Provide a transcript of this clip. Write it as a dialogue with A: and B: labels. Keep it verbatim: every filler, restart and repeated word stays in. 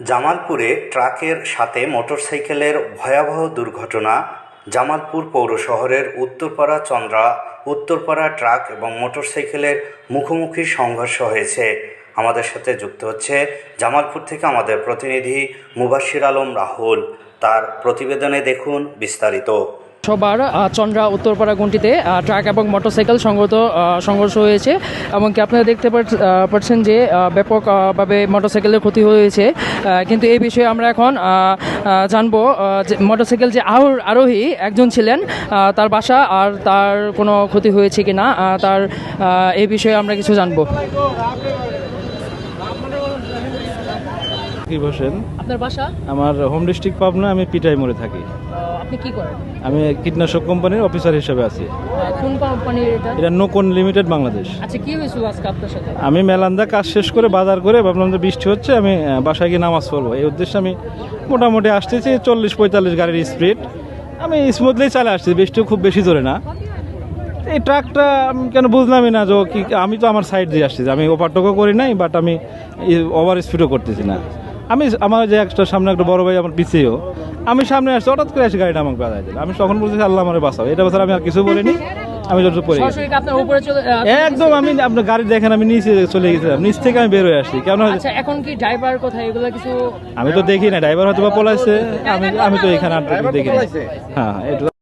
A: জামালপুরে ট্রাকের সাথে মোটরসাইকেলের ভয়াবহ দুর্ঘটনা। জামালপুর পৌর শহরের উত্তরপাড়া চন্দ্রা উত্তরপাড়া ট্রাক এবং মোটরসাইকেলের মুখোমুখি সংঘর্ষ হয়েছে। আমাদের সাথে যুক্ত হচ্ছে জামালপুর থেকে আমাদের প্রতিনিধি মুবাশির আলম রাহুল। তার প্রতিবেদনে দেখুন বিস্তারিত।
B: সবার চন্দ্রা উত্তরপাড়া গুনটিতে ট্রাক এবং মোটরসাইকেল সংঘর্ষ সংঘর্ষ হয়েছে এবং কি আপনারা দেখতে পাচ্ছেন যে ব্যাপকভাবে মোটরসাইকেলের ক্ষতি হয়েছে। কিন্তু এই বিষয়ে আমরা এখন জানবো যে মোটরসাইকেল যে আরোহী একজন ছিলেন, তার বাসা আর তার কোনো ক্ষতি হয়েছে কি না তার এই বিষয়ে আমরা কিছু জানবো।
C: বসেন,
B: আপনার বাসা?
C: আমার হোম ডিস্ট্রিক্ট পাবনা, আমি পিটাই মোড়ে থাকি।
B: আপনি কি করেন?
C: আমি কীটনাশক কোম্পানির অফিসার হিসেবে আছি।
B: কোন কোম্পানির এটা?
C: এটা নোকন লিমিটেড বাংলাদেশ।
B: আচ্ছা, কি হয়েছিল আজকে আপনার সাথে?
C: আমি মেলান্দা কাজ শেষ করে বাজার করে ভাবলাম যে বৃষ্টি হচ্ছে, আমি বাসায় গিয়ে নামাজ পড়বো। এই উদ্দেশ্যে আমি মোটামুটি আসতেছি চল্লিশ পঁয়তাল্লিশ গাড়ির স্পিড, আমি স্মুথলি চালে আসছি, বৃষ্টিও খুব বেশি জোরে না। এই ট্রাকটা আমি কেন বুঝলামই না যে কি, আমি তো আমার সাইড দিয়ে আসছি, আমি ওভারটেকও করি নাই, বাট আমি ওভার স্পিডও করতেছি না। আমি আমার যে একটা সামনে একটা বড় ভাই আমার পিছিয়েও, আমি সামনে আসছি, হঠাৎ করে এসে গাড়িটা আমাকে বাজাই দিল। আমি তখন বলতেছি আল্লাহ আমার বাঁচাও, এটা বছর আমি আর কিছু বলিনি, আমি যতটুকু পড়ে গেছি একদম। আমি আপনার গাড়ি দেখেন, আমি নিচে চলে গেছিলাম, নিচ থেকে আমি বের হয়ে আসছি। কেন
B: এখন কি ড্রাইভার কোথায় এগুলো কিছু
C: আমি তো দেখি না, ড্রাইভার হয়তো বা পলাইছে, আমি আমি তো এখানে আর দেখি না। হ্যাঁ, এটা